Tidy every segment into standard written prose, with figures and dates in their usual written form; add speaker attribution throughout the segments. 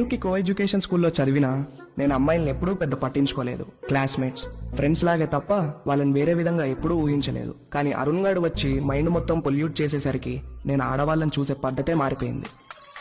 Speaker 1: పేరుకి co education స్కూల్లో చదివినా నేను అమ్మాయిల్ని ఎప్పుడూ పెద్ద పట్టించుకోలేదు. క్లాస్మేట్స్, ఫ్రెండ్స్ లాగే తప్ప వాళ్ళని వేరే విధంగా ఎప్పుడూ ఊహించలేదు. కానీ అరుణ్ గాడు వచ్చి మైండ్ మొత్తం పొల్యూట్ చేసేసరికి నేను ఆడవాళ్ళని చూసే పద్ధతే మారిపోయింది.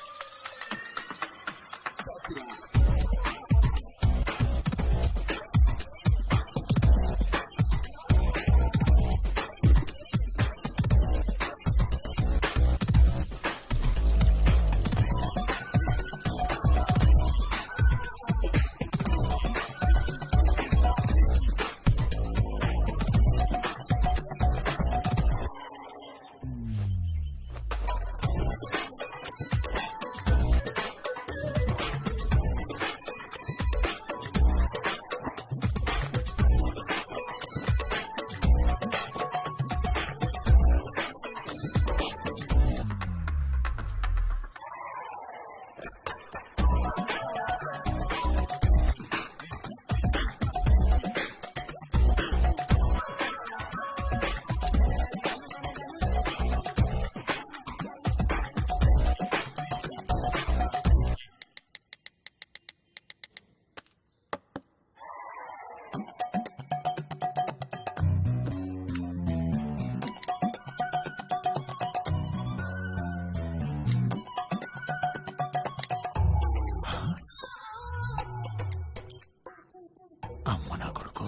Speaker 2: అమ్మ నా కొడుకు.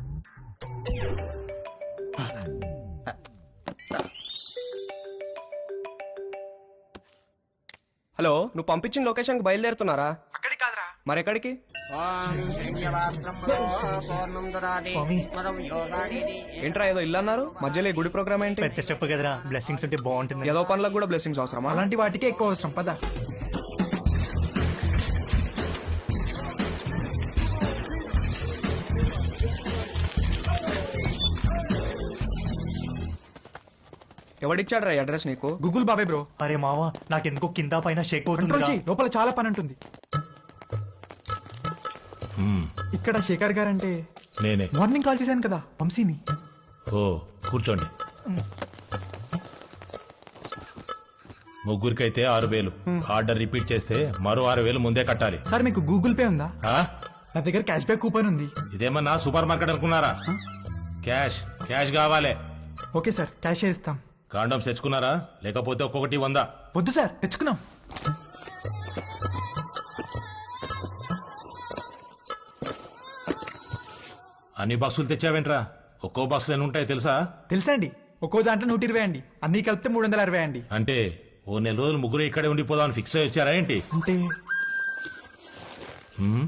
Speaker 1: హలో, నువ్వు పంపించిన లొకేషన్కి బయలుదేరుతున్నారా?
Speaker 2: అక్కడి కాదురా.
Speaker 1: మరెక్కడికి? ఏంట్రా ఏదో ఇల్లు అన్నారు, మధ్యలో ఈ గుడి ప్రోగ్రామ్ ఏంటి?
Speaker 3: పెద్ద స్టెప్ కదరా, బ్లెస్సింగ్స్ ఉంటే బాగుంటుంది.
Speaker 1: ఏదో పనులకు కూడా బ్లెస్సింగ్స్ అవసరమా?
Speaker 2: అలాంటి వాటికే ఎక్కువ అవసరం. పద.
Speaker 1: ఎవడిచ్చాడు రా అడ్రస్ నీకు?
Speaker 2: గూగుల్ బాబాయ్ బ్రో.
Speaker 3: అరే మావా, నాకెందుకో కింద పైన షేక్
Speaker 2: కంట్రోల్
Speaker 3: అవుతుంది.
Speaker 2: చెయ్యి, లోపల చాలా పని ఉంటుంది. ఇక్కడ శేఖర్ గారు అంటే
Speaker 4: నేనే.
Speaker 2: మార్నింగ్ కాల్ చేశాను కదా, వంశీని.
Speaker 4: ఓ, కూర్చోండి. ముగ్గురికైతే 6,000. ఆర్డర్ రిపీట్ చేస్తే మరో 6,000 ముందే కట్టాలి.
Speaker 2: సార్ మీకు గూగుల్ పే ఉందా?
Speaker 4: ఆ?
Speaker 2: నా దగ్గర క్యాష్ బ్యాక్ కూపన్ ఉంది.
Speaker 4: ఇదేమన్నా సూపర్ మార్కెట్ అనుకున్నారా? క్యాష్ క్యాష్ కావాలి.
Speaker 2: ఓకే సార్, క్యాష్ ఇస్తాం.
Speaker 4: కాండమ్స్ తెచ్చుకున్నారా? లేకపోతే ఒక్కొక్కటి 100.
Speaker 2: వద్దు సార్, తెచ్చుకున్నాం.
Speaker 4: అన్ని బాక్సులు తెచ్చావేంట్రా? ఒక్కో బాక్సులు ఎన్ని ఉంటాయి తెలుసా?
Speaker 2: తెలుసా అండి, ఒక్కో దాంట్లో 120 అండి, అన్ని కలిపితే 360 అండి.
Speaker 4: అంటే ఓ నెల రోజులు ముగ్గురు ఇక్కడే ఉండిపోదామని ఫిక్స్ అయ్యి వచ్చారా ఏంటి?
Speaker 2: అంటే
Speaker 4: హ్మ్?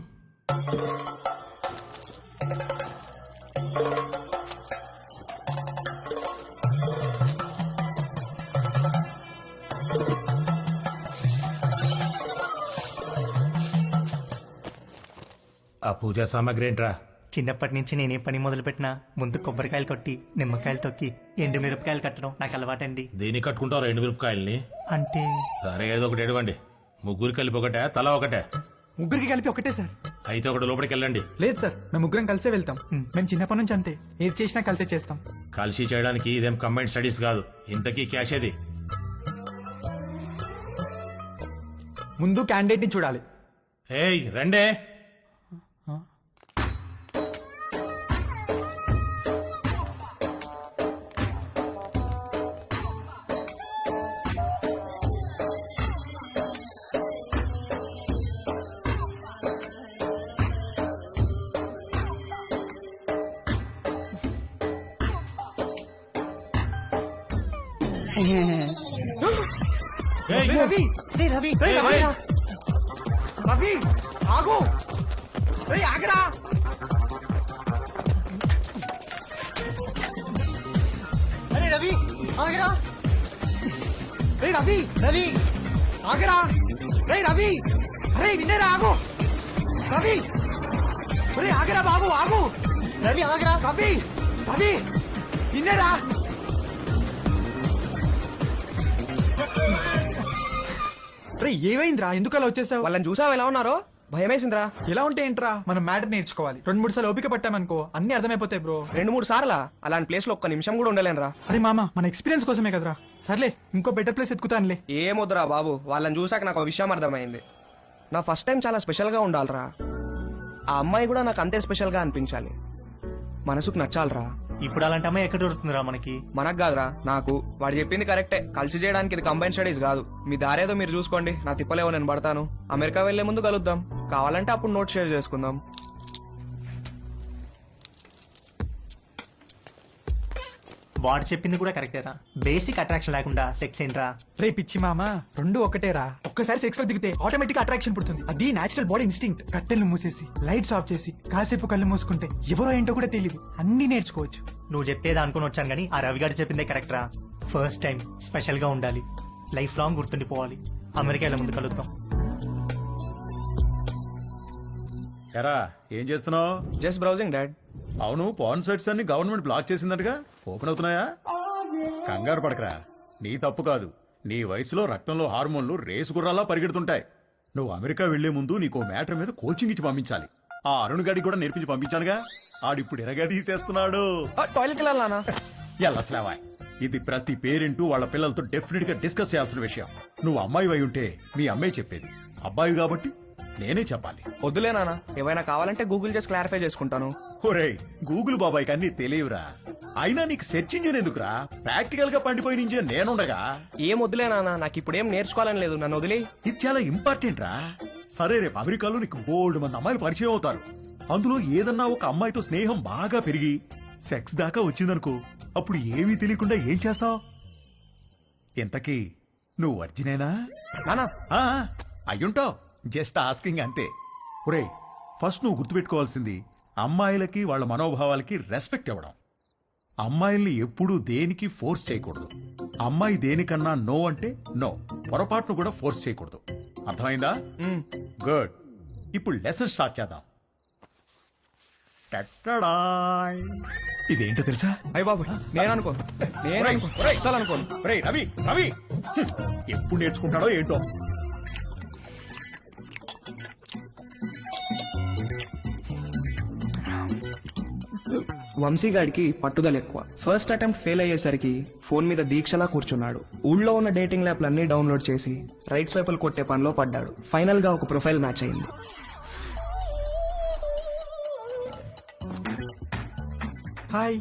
Speaker 4: ఆ పూజా సామాగ్రి ఏంట్రా?
Speaker 3: చిన్నప్పటి నుంచి నేనే పని మొదలు పెట్టినా ముందు కొబ్బరికాయలు కొట్టి నిమ్మకాయలు తొక్కి ఎండు మిరపకాయలు కట్టడం నాకు అలవాటండి.
Speaker 4: దేన్ని కట్టుకుంటావు 2 మిరపకాయల్ని?
Speaker 3: అంటే
Speaker 4: సరే, ఏదో ఒకటి ఎడవండి. ముగ్గురు కలిపి ఒకటే, తలా ఒకటే?
Speaker 2: ముగ్గురికి కలిపి ఒకటే సార్.
Speaker 4: అయితే ఒకటి లోపలికి వెళ్ళండి.
Speaker 2: లేదు సార్, మేము ముగ్గురం కలిసే వెళ్తాం. మేము చిన్నప్పటి నుంచి అంతే, ఏది చేసినా కలిసే చేస్తాం.
Speaker 4: కలిసి చేయడానికి ఇదేం కంబైన్ స్టడీస్ కాదు. ఇంతకీ క్యాష్ ఏది?
Speaker 2: ముందు క్యాండిడేట్ ని చూడాలి.
Speaker 4: ఏయ్ రండే.
Speaker 2: రవి, రవి, రవి, ఆగు. ఆగరా. అరే రవి, ఆగరా. రవి, రవి, ఆగరా. రవి, అరే నిన్నేరా, ఆగు. రవి, ఆగరా బాబు, ఆగు. రవి, ఆగరా. రవి, రవి, నిన్నేరా. ఏమైందిరా, ఎందుకు అలా వచ్చేసావు?
Speaker 1: వాళ్ళని చూసావు ఎలా ఉన్నారో? భయమేసిందిరా.
Speaker 2: ఎలా ఉంటే ఏంట్రా, మనం మ్యాటర్ నేర్చుకోవాలి. 2-3 సార్లు ఓపిక పట్టామనుకో అన్ని అర్థమైపోతాయి బ్రో.
Speaker 1: 2-3 సార్లా? అలాంటి ప్లేస్ లో ఒక్క నిమిషం కూడా ఉండలేనురా.
Speaker 2: అరే మామ, మన ఎక్స్పీరియన్స్ కోసమే కదరా. సర్లే, ఇంకో బెటర్ ప్లేస్ ఎత్తుకుతానులే.
Speaker 1: ఏమొద్దురా బాబు, వాళ్ళని చూసాక నాకు ఒక విషయం అర్థమైంది. నా ఫస్ట్ టైం చాలా స్పెషల్గా ఉండాలిరా. ఆ అమ్మాయి కూడా నాకు అంతే స్పెషల్గా అనిపించాలి. మనసుకు నచ్చాలిరా.
Speaker 3: ఇప్పుడు అలాంటి అమ్మాయి ఎక్కడ దొరుకుతుందిరా మనకి?
Speaker 1: మనకు కాదురా, నాకు. వాడు చెప్పింది కరెక్టే. కలిసి చేయడానికి ఇది కంబైన్ స్టడీస్ కాదు. మీ దారేదో మీరు చూసుకోండి, నా తిప్పలేవో నేను పడతాను. అమెరికా వెళ్లే ముందు కలుద్దాం, కావాలంటే అప్పుడు నోట్ షేర్ చేసుకుందాం.
Speaker 3: వాడు చెప్పింది కూడా కరెక్టేరా. బేసిక్ అట్రాక్షన్ లేకుండా సెక్స్ ఏంట్రా?
Speaker 2: రే పిచ్చి మామ, రెండు ఒకటేరా. ఒక్కసారి సెక్స్ లో దిగితే ఆటోమేటిక్ అట్రాక్షన్ పుడుతుంది. అది నేచురల్ బాడీ ఇన్స్టింక్ట్. కట్టెలు మూసేసి లైట్స్ ఆఫ్ చేసి కాసేపు కళ్ళు మూసుకుంటే ఎవరో ఏంటో కూడా తెలియదు. అన్ని నేర్చుకోవచ్చు.
Speaker 3: నువ్వు చెప్పేది అనుకుని వచ్చాను కానీ ఆ రవి గారు చెప్పిందే కరెక్ట్ రా. ఫస్ట్ టైం స్పెషల్ గా ఉండాలి, లైఫ్ లాంగ్ గుర్తుండిపోవాలి. అమెరికా వెళ్ళే ముందు కలుద్దాం.
Speaker 5: ఎరా ఏం చేస్తున్నావు?
Speaker 1: Just browsing dad.
Speaker 5: అవును, పాన్ సైట్స్ అన్ని గవర్నమెంట్ బ్లాక్ చేసిందటగా, ఓపెన్ అవుతున్నాయా? కంగారు పడకరా, నీ తప్పు కాదు. నీ వయసులో రక్తంలో హార్మోన్లు రేసు గుర్రాలా పరిగెడుతుంటాయి. నువ్వు అమెరికా వెళ్లే ముందు నీకు మ్యాటర్ మీద కోచింగ్ ఇచ్చి పంపించాలి. ఆ అరుణ్ గడికి కూడా నేర్పించి పంపించానుగా. ఆడిప్పుడు ఎరగా తీసేస్తున్నాడు.
Speaker 1: టాయిలెట్ వెళ్ళాలనా?
Speaker 5: ఎల్లట్లేవా, ఇది ప్రతి పేరెంట్ వాళ్ళ పిల్లలతో డెఫినెట్ గా డిస్కస్ చేయాల్సిన విషయం. నువ్వు అమ్మాయి అయి ఉంటే మీ అమ్మాయి చెప్పేది, అబ్బాయి కాబట్టి నేనే చెప్పాలి.
Speaker 1: వద్దులే నాన్న, ఏమైనా కావాలంటే గూగుల్ చేసి క్లారిఫై చేసుకుంటాను.
Speaker 5: ఒరేయ్, గూగుల్ బాబాయ్ కన్నీ తెలియవురా. అయినా నీకు సెర్చ్ ఇంజిన్ ఎందుకురా? ప్రాక్టికల్ గా పండిపోయిన ఇంజిన్ నేనుండగా.
Speaker 1: ఏం వద్దులే నాన్న, నాకు ఇప్పుడు ఏం నేర్చుకోవాలని లేదు, నన్ను వదిలే.
Speaker 5: ఇది చాలా ఇంపార్టెంట్ రా. సరే, రేపు అమెరికాలో నీకు బోల్డ్ మంది అమ్మాయిలు పరిచయం అవుతారు. అందులో ఏదన్నా ఒక అమ్మాయితో స్నేహం బాగా పెరిగి సెక్స్ దాకా వచ్చిందనుకో, అప్పుడు ఏమీ తెలియకుండా ఏం చేస్తావు? ఇంతకీ నువ్వు వర్జినేనా?
Speaker 1: నానా
Speaker 5: ఆ, అయ్యుంటావు. జస్ట్ ఆస్కింగ్ అంతే. ఒరేయ్, ఫస్ట్ నువ్వు గుర్తుపెట్టుకోవాల్సింది అమ్మాయిలకి వాళ్ళ మనోభావాలకి రెస్పెక్ట్ ఇవ్వడం. అమ్మాయిల్ని ఎప్పుడూ దేనికి ఫోర్స్ చేయకూడదు. అమ్మాయి దేనికన్నా నో అంటే నో, పొరపాటును కూడా ఫోర్స్ చేయకూడదు. అర్థమైందా? గుడ్. ఇప్పుడు లెసన్ స్టార్ట్ చేద్దాం. టట్టడాయ్. ఇదేంటో తెలుసా?
Speaker 1: అయ్య బాబు, నేను అనుకోను. అస్సలు అనుకోను.
Speaker 5: ఒరేయ్ రవి, రవి ఎప్పుడు నేర్చుకుంటాడో ఏంటో.
Speaker 1: వంశీగాడికి పట్టుదల ఎక్కువ. ఫస్ట్ అటెంప్ట్ ఫెయిల్ అయ్యేసరికి ఫోన్ మీద దీక్షలా కూర్చున్నాడు. ఊళ్ళో ఉన్న డేటింగ్ యాప్లన్నీ డౌన్లోడ్ చేసి రైట్ స్వైపులు కొట్టే పనిలో పడ్డాడు. ఫైనల్ గా ఒక ప్రొఫైల్ మ్యాచ్ అయింది.
Speaker 2: హాయ్.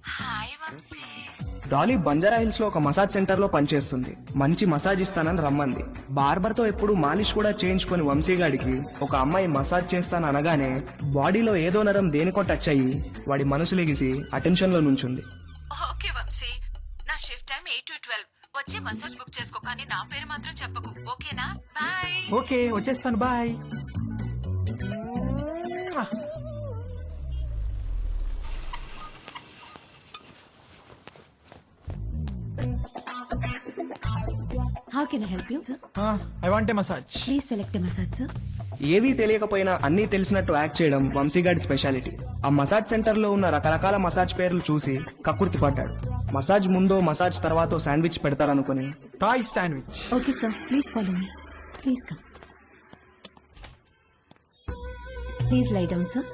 Speaker 1: డాలీ బంజారా హిల్స్ లో ఒక మసాజ్ సెంటర్ లో పనిచేస్తుంది. మంచి మసాజ్ ఇస్తానని రమ్మంది. బార్బర్ తో ఎప్పుడు మాలిష్ కూడా చేయించుకుని వంశీగాడికి ఒక అమ్మాయి మసాజ్ చేస్తాను అనగానే బాడీలో ఏదో నరం దేనికో టచ్ అయ్యి వాడి మనసు లెగిసి అటెన్షన్ లో నుంచుంది.
Speaker 6: ఓకే వంశీ, నా షిఫ్ట్ టైం 8 to 12. వచ్చి మసాజ్ బుక్ చేసుకో, కానీ నా పేరు మాత్రం చెప్పకు, ఓకేనా? బాయ్.
Speaker 2: ఓకే, వచ్చేస్తాను. Bye.
Speaker 7: How can I help you, sir?
Speaker 2: I want a massage.
Speaker 7: Please select a massage, sir.
Speaker 1: ఏవీ తెలియకపోయినా అన్నీ తెలిసినట్టు యాక్ట్ చేయడం వంశీగాడి స్పెషాలిటీ. ఆ మసాజ్ సెంటర్ లో ఉన్న రకరకాల మసాజ్ పేర్లు చూసి కక్కుర్తి పడ్డాడు. మసాజ్ ముందో మసాజ్ తర్వాతో శాండ్విచ్ పెడతారనుకుని
Speaker 2: Thai sandwich.
Speaker 7: Okay, sir. Please follow me. Please come. Please lie down, sir.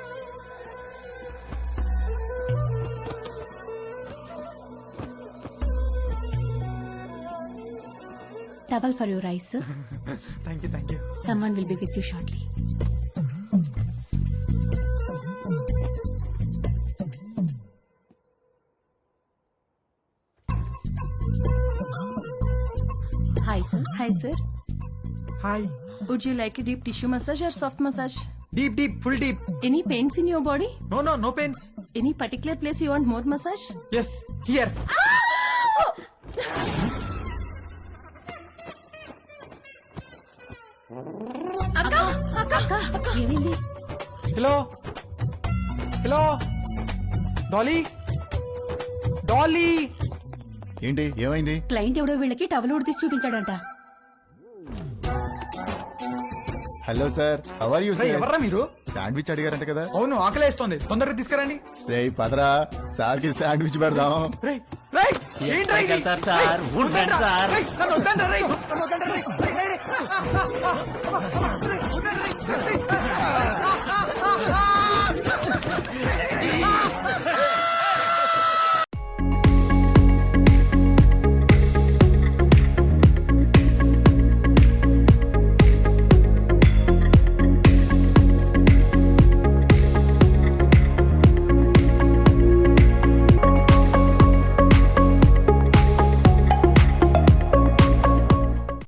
Speaker 7: Towel for your eyes, sir.
Speaker 2: Thank you, thank you.
Speaker 7: Someone will be with you shortly. Hi, sir.
Speaker 8: Hi, sir.
Speaker 2: Hi.
Speaker 8: Would you like a deep tissue massage or soft massage?
Speaker 2: Deep deep, full deep.
Speaker 8: Any pains in your body?
Speaker 2: No no, no pains.
Speaker 8: Any particular place you want more massage?
Speaker 2: Yes, here.
Speaker 7: ఏమైంది?
Speaker 2: Hello, hello, Dolly, Dolly.
Speaker 9: ఏంటి ఏమైంది?
Speaker 7: Client ఎవడో వీళ్ళకి towel ఉడితీసి చూపించాడంట.
Speaker 9: Hello sir, how are you
Speaker 2: రే,
Speaker 9: sir?
Speaker 2: ఎవర్రా మీరు?
Speaker 9: శాండ్విచ్ అడిగారంట కదా?
Speaker 2: అవును, ఆకలేస్తోంది, తొందరగా తీసుకురండి.
Speaker 9: రేయ్ పదరా, సార్ కి శాండ్విచ్ పెడదాం.
Speaker 2: రేయ్, రేయ్, ఏంట్రా ఇది?
Speaker 3: వెళ్తారు సార్,
Speaker 2: రేయ్,
Speaker 3: ఊరు రండి సార్.
Speaker 2: రేయ్, నన్ను వద్దండ్రా, రేయ్, నన్ను వద్దండ్రా, రేయ్, రేయ్, రేయ్, రేయ్, రేయ్, రేయ్, రేయ్, రేయ్, రేయ్, రేయ్, రేయ్, రేయ్, రేయ్,